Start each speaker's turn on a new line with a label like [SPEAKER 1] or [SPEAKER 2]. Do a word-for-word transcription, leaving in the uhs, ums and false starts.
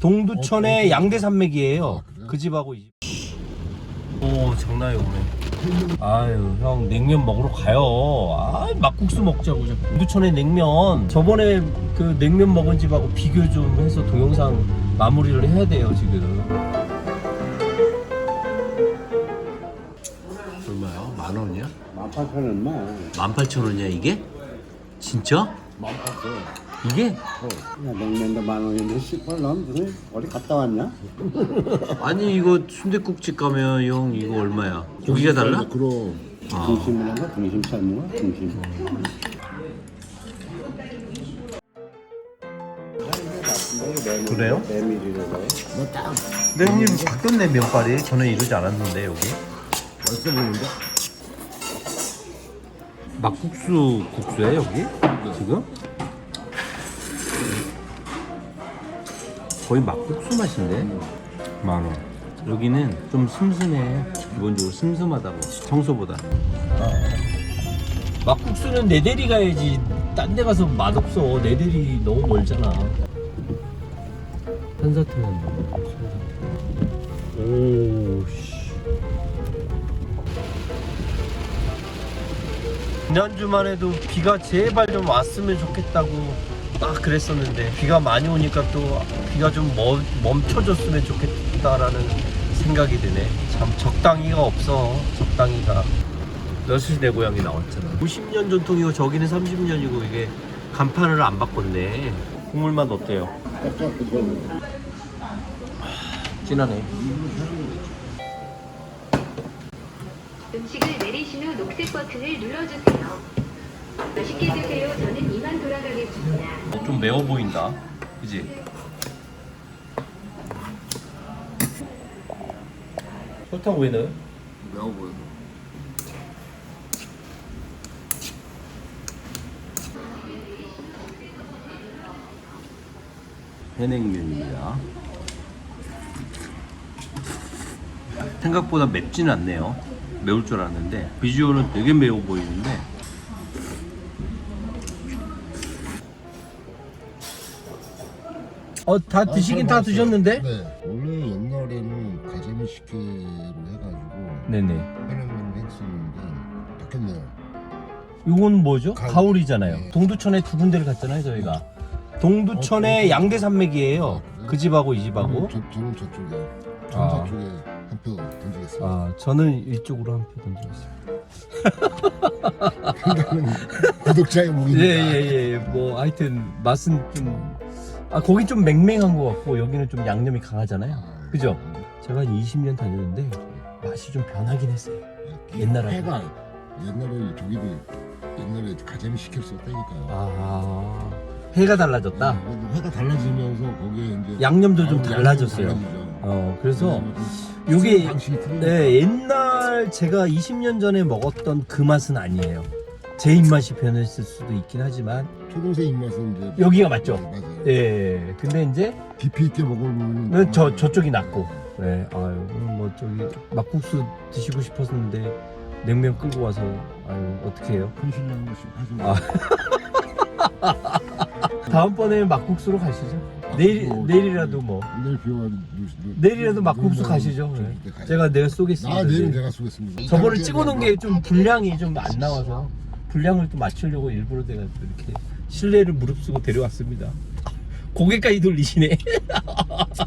[SPEAKER 1] 동두천의
[SPEAKER 2] 어,
[SPEAKER 1] 양대산맥이에요.
[SPEAKER 2] 아, 그래요?
[SPEAKER 1] 그 집하고 이 집. 오 장난이 오네. 아유 형 냉면 먹으러 가요. 아 막국수 먹자고 자꾸. 동두천의 냉면 저번에 그 냉면 먹은 집하고 비교 좀 해서 동영상 마무리를 해야 돼요 지금. 얼마야? 만 원이야?
[SPEAKER 2] 만 팔천 원만.
[SPEAKER 1] 만 팔천 원이야 이게? 진짜?
[SPEAKER 2] 만 팔천 원.
[SPEAKER 1] 이게?
[SPEAKER 2] 어. 야, 냉면도 만 원인데 십벌 넌 무슨 어디 갔다 왔냐?
[SPEAKER 1] 아니 이거 순댓국집 가면 형 이거 얼마야? 고기가 달라?
[SPEAKER 2] 그럼.
[SPEAKER 1] 아.
[SPEAKER 2] 등심을 한가? 등심 삶은 거? 등심.
[SPEAKER 1] 그래요?
[SPEAKER 2] 메밀이라고. 뭐 딱.
[SPEAKER 1] 근데 형님 바뀌었네 면발이. 저는 이러지 않았는데 여기.
[SPEAKER 2] 벌써 보는데?
[SPEAKER 1] 막국수 국수야 여기? 지금? 거의 막국수 맛인데? 만원. 여기는 좀 슴슴해. 기본적으로 슴슴하다고. 청소보다. 막국수는 내 대리 가야지. 딴 데 가서 맛없어. 내 대리 너무 멀잖아. 한사태만 오씨. 지난주만 해도 비가 제발 좀 왔으면 좋겠다고 딱 그랬었는데 비가 많이 오니까 또 비가 좀 멈, 멈춰줬으면 좋겠다라는 생각이 드네. 참 적당히가 없어. 적당히가. 여수시 내 고향이 나왔잖아. 오십 년 전통이고 저기는 삼십 년이고 이게 간판을 안 바꿨네. 국물 맛 어때요? 진하네.
[SPEAKER 3] 음식을 내리신 후 녹색 버튼을 눌러주세요. 맛있게 드세요. 저는 이만 돌아가겠습니다.
[SPEAKER 1] 좀 매워 보인다. 그지? 설탕 왜 넣어요?
[SPEAKER 2] 매워 보여.
[SPEAKER 1] 해냉면입니다. 생각보다 맵지는 않네요. 매울 줄 알았는데 비주얼은 되게 매워 보이는데 어 다 드시긴 다 드셨는데?
[SPEAKER 2] 네. 원래 옛날에는 가자미 식혜로 해가지고
[SPEAKER 1] 네네.
[SPEAKER 2] 해냉면 했었는데 바뀌었네요.
[SPEAKER 1] 이건 뭐죠?
[SPEAKER 2] 가을.
[SPEAKER 1] 가오리잖아요.
[SPEAKER 2] 네.
[SPEAKER 1] 동두천에 두 군데를 갔잖아요 저희가. 동두천의 양대산맥이에요. 그 집하고 이 집하고.
[SPEAKER 2] 저, 저는 저쪽에 전사
[SPEAKER 1] 아.
[SPEAKER 2] 쪽에 한 표 던지겠습니다.
[SPEAKER 1] 아 저는 이쪽으로 한 표 던지겠습니다.
[SPEAKER 2] 그러니까는 구독자의 목이니까.
[SPEAKER 1] 예예예. 뭐 하여튼 맛은 좀 아 거긴 좀 맹맹한 것 같고 여기는 좀 양념이 강하잖아요.
[SPEAKER 2] 아,
[SPEAKER 1] 그죠? 제가 한 이십 년 다녔는데 맛이 좀 변하긴 했어요. 옛날하고.
[SPEAKER 2] 회가 옛날에 저기도 옛날에 가자미 식혜를 썼다니까요.
[SPEAKER 1] 아 회가 달라졌다.
[SPEAKER 2] 네, 회가 달라지면서 거기에 이제
[SPEAKER 1] 양념도 좀
[SPEAKER 2] 아,
[SPEAKER 1] 달라졌어요.
[SPEAKER 2] 양념이 달라지죠.
[SPEAKER 1] 어 그래서
[SPEAKER 2] 좀
[SPEAKER 1] 요게
[SPEAKER 2] 쓰는 방식이 틀리니까.
[SPEAKER 1] 네, 옛날 제가 이십 년 전에 먹었던 그 맛은 아니에요. 제 입맛이 변했을 수도 있긴 하지만
[SPEAKER 2] 초등생 입맛은 이제
[SPEAKER 1] 여기가 맞죠?
[SPEAKER 2] 네, 맞아요.
[SPEAKER 1] 예. 근데 이제
[SPEAKER 2] 깊이 있게 먹으면
[SPEAKER 1] 저 저쪽이 낫고. 네. 아유 오늘 뭐 저기 막국수 드시고 싶었는데 냉면 끌고 와서 아유 어떻게 해요?
[SPEAKER 2] 큰신랑 하시면
[SPEAKER 1] 아. 다음번에 막국수로 가시죠. 내일
[SPEAKER 2] 뭐,
[SPEAKER 1] 내일이라도 뭐
[SPEAKER 2] 내일 비와
[SPEAKER 1] 내일이라도 막국수 가시죠. 네. 제가 내가 쏘겠습니다.
[SPEAKER 2] 아 내일은
[SPEAKER 1] 내일.
[SPEAKER 2] 제가 쏘겠습니다.
[SPEAKER 1] 저번에 찍어놓은 게 좀 분량이 좀 안 나와서 분량을 또 맞추려고 일부러 내가 또 이렇게 신뢰를 무릅쓰고 데려왔습니다. 고개까지 돌리시네.